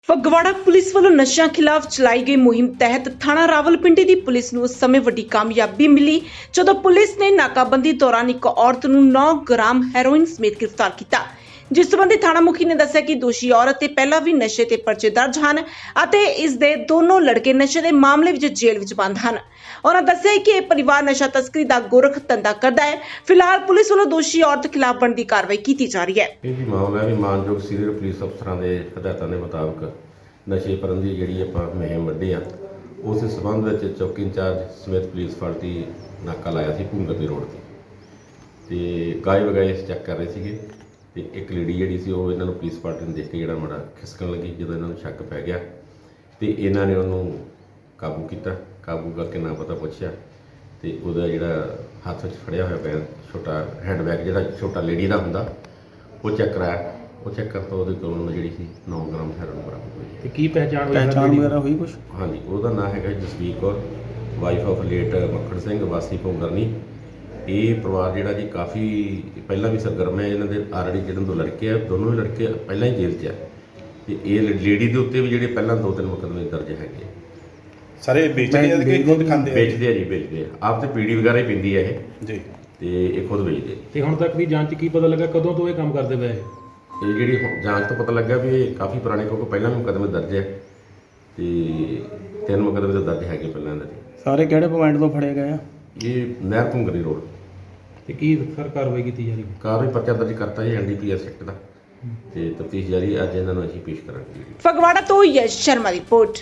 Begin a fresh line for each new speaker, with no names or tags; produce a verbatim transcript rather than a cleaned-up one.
Phagwara police ਵੱਲੋਂ ਨਸ਼ਿਆਂ ਖਿਲਾਫ ਚਲਾਈ ਗਈ ਮੁਹਿੰਮ ਤਹਿਤ ਥਾਣਾ ਰਾਵਲਪਿੰਡੀ ਦੀ ਪੁਲਿਸ ਨੂੰ ਉਸ ਸਮੇਂ ਵੱਡੀ ਕਾਮਯਾਬੀ ਮਿਲੀ ਜਦੋਂ ਪੁਲਿਸ ਨੇ ਨਾਕਾਬੰਦੀ ਦੌਰਾਨ ਇੱਕ ਔਰਤ ਨੂੰ ਨੌ ਗ੍ਰਾਮ ਹੈਰੋਇਨ ਸਮੇਤ ਗ੍ਰਿਫਤਾਰ ਕੀਤਾ। ਜਿਸ ਸੰਬੰਧੀ ਥਾਣਾ ਮੁਖੀ ਨੇ ਦੱਸਿਆ ਕਿ ਦੋਸ਼ੀ ਔਰਤ ਤੇ ਪਹਿਲਾਂ ਵੀ ਨਸ਼ੇ ਤੇ ਪਰਚੇ ਦਰਜ ਹਨ ਅਤੇ ਇਸ ਦੇ ਦੋਨੋਂ ਲੜਕੇ ਨਸ਼ੇ ਦੇ ਮਾਮਲੇ ਵਿੱਚ ਜੇਲ੍ਹ ਵਿੱਚ ਬੰਦ ਹਨ। ਉਹਨਾਂ ਦੱਸਿਆ ਕਿ ਇਹ ਪਰਿਵਾਰ ਨਸ਼ਾ ਤਸਕਰੀ ਦਾ ਗੋਰਖ ਧੰਦਾ ਕਰਦਾ ਹੈ। ਫਿਲਹਾਲ ਪੁਲਿਸ ਵੱਲੋਂ ਦੋਸ਼ੀ ਔਰਤ ਖਿਲਾਫ ਬਣਦੀ ਕਾਰਵਾਈ ਕੀਤੀ ਜਾ ਰਹੀ ਹੈ।
ਇਹ ਵੀ ਮਾਮਲਾ ਵੀ ਮਾਨਯੋਗ ਸੀਨੀਅਰ ਪੁਲਿਸ ਅਫਸਰਾਂ ਦੇ ਹਦਾਇਤਾਂ ਦੇ ਮੁਤਾਬਕ ਨਸ਼ੇ ਪ੍ਰਬੰਧੀ ਜਿਹੜੀ ਆਪਾਂ ਮੁਹਿੰਮ ਵੱਡੀ ਆ ਉਸ ਸਬੰਧ ਵਿੱਚ ਚੌਕੀ ਇੰਚਾਰਜ ਸਮੇਤ ਪੁਲਿਸ ਪਾਰਟੀ ਨਾਕਾ ਲਾਇਆ ਸੀ ਭੂੰਗਰ ਦੇ ਰੋਡ ਤੇ ਤੇ ਗਾਇਬ ਵਗਾਏ ਚੈੱਕ ਕਰ ਰਹੇ ਸੀਗੇ ਤੇ ਇੱਕ ਲੇਡੀ ਜਿਹੜੀ ਸੀ ਉਹ ਇਹਨਾਂ ਨੂੰ ਪੁਲਿਸ ਪਾਰਟੀ ਨੂੰ ਦੇਖ ਕੇ ਜਿਹੜਾ ਮਾੜਾ ਖਿਸਕਣ ਲੱਗੀ। ਜਦੋਂ ਇਹਨਾਂ ਨੂੰ ਸ਼ੱਕ ਪੈ ਗਿਆ ਤੇ ਇਹਨਾਂ ਨੇ ਉਹਨੂੰ ਕਾਬੂ ਕੀਤਾ। ਕਾਬੂ ਕਰਕੇ ਨਾ ਪਤਾ ਪੁੱਛਿਆ ਤੇ ਉਹਦਾ ਜਿਹੜਾ ਹੱਥ ਵਿੱਚ ਫੜਿਆ ਹੋਇਆ ਬੈਗ ਛੋਟਾ ਹੈਂਡ ਬੈਗ ਜਿਹੜਾ ਛੋਟਾ ਲੇਡੀ ਦਾ ਹੁੰਦਾ ਉਹ ਚੈੱਕ ਕਰਾਇਆ। ਉਹ ਚੈੱਕ ਕਰਨ ਤੋਂ ਉਹਦੇ ਕੋਲੋਂ ਜਿਹੜੀ ਸੀ ਨੌ ਗ੍ਰਾਮ ਹੈਰੋਇਨ ਬਰਾਮਦ ਹੋਈ ਹੈ।
ਤੇ ਕੀ ਪਹਿਚਾਣ ਹੋਈ
ਪਹਿਚਾਣ ਵਗੈਰਾ ਹੋਈ ਕੁਛ?
ਹਾਂਜੀ, ਉਹਦਾ ਨਾਮ ਹੈਗਾ Jasvir Kaur, wife of late Makhan Singh ਵਾਸੀ ਭੁੰਗਰਨੀ। ਇਹ ਪਰਿਵਾਰ ਜਿਹੜਾ ਜੀ ਕਾਫੀ ਪਹਿਲਾਂ ਵੀ ਸਰਗਰਮ ਹੈ। ਇਹਨਾਂ ਦੇ ਆਲਰੇਡੀ ਜਿਹੜੇ ਦੋ ਲੜਕੇ ਆ, ਦੋਨੋਂ ਹੀ ਲੜਕੇ ਪਹਿਲਾਂ ਹੀ ਜੇਲ੍ਹ 'ਚ ਆ ਤੇ ਇਹ ਲੇਡੀ ਦੇ ਉੱਤੇ ਵੀ ਜਿਹੜੇ ਪਹਿਲਾਂ ਦੋ ਤਿੰਨ ਮੁਕੱਦਮੇ ਦਰਜ ਹੈਗੇ।
ਸਾਰੇ ਵੇਚਦੇ ਆ ਕਿ ਖੁਦ ਖਾਂਦੇ ਆ?
ਵੇਚਦੇ ਆ ਜੀ, ਵੇਚਦੇ ਆ। ਆਪ ਤੇ ਪੀੜੀ ਵਗੈਰਾ ਹੀ ਪੀਂਦੀ ਹੈ ਇਹ
ਜੀ
ਤੇ ਇਹ ਖੁਦ ਵੇਚਦੇ।
ਤੇ ਹੁਣ ਤੱਕ ਦੀ ਜਾਂਚ ਕੀ ਪਤਾ ਲੱਗਾ ਕਦੋਂ ਤੋਂ ਇਹ ਕੰਮ ਕਰਦੇ ਪਏ?
ਇਹ ਜਿਹੜੀ ਹੁਣ ਜਾਂਚ ਤੋਂ ਪਤਾ ਲੱਗਾ ਵੀ ਇਹ ਕਾਫੀ ਪੁਰਾਣੇ, ਕਿਉਂਕਿ ਪਹਿਲਾਂ ਵੀ ਮੁਕੱਦਮੇ ਦਰਜ ਹੈ ਤੇ ਤਿੰਨ ਮੁਕੱਦਮੇ ਤਾਂ ਦਰਜ ਹੈਗੇ ਪਹਿਲਾਂ ਦੇ।
ਸਾਰੇ ਕਿਹੜੇ ਪੁਆਇੰਟ ਤੋਂ ਫੜੇ ਗਏ ਆ?
ਇਹ ਨਹਿਰ ਭੁੰਗਰੀ ਰੋਡ
ਤੇ ਕੀ ਸਰ ਕਾਰਵਾਈ ਕੀਤੀ ਜਾ ਰਹੀ ਹੈ?
ਕਾਰਵਾਈ ਪਰਚਾ ਦਰਜ ਕਰਤਾ ਜੀ N D P S act ਦਾ ਤੇ ਤਫਤੀਸ਼ ਜਾਰੀ। ਅੱਜ ਇਹਨਾਂ ਨੂੰ ਅਸੀਂ ਪੇਸ਼ ਕਰਾਂਗੇ।
ਫਗਵਾੜਾ ਤੋਂ ਯਸ਼ ਸ਼ਰਮਾ ਦੀ ਰਿਪੋਰਟ।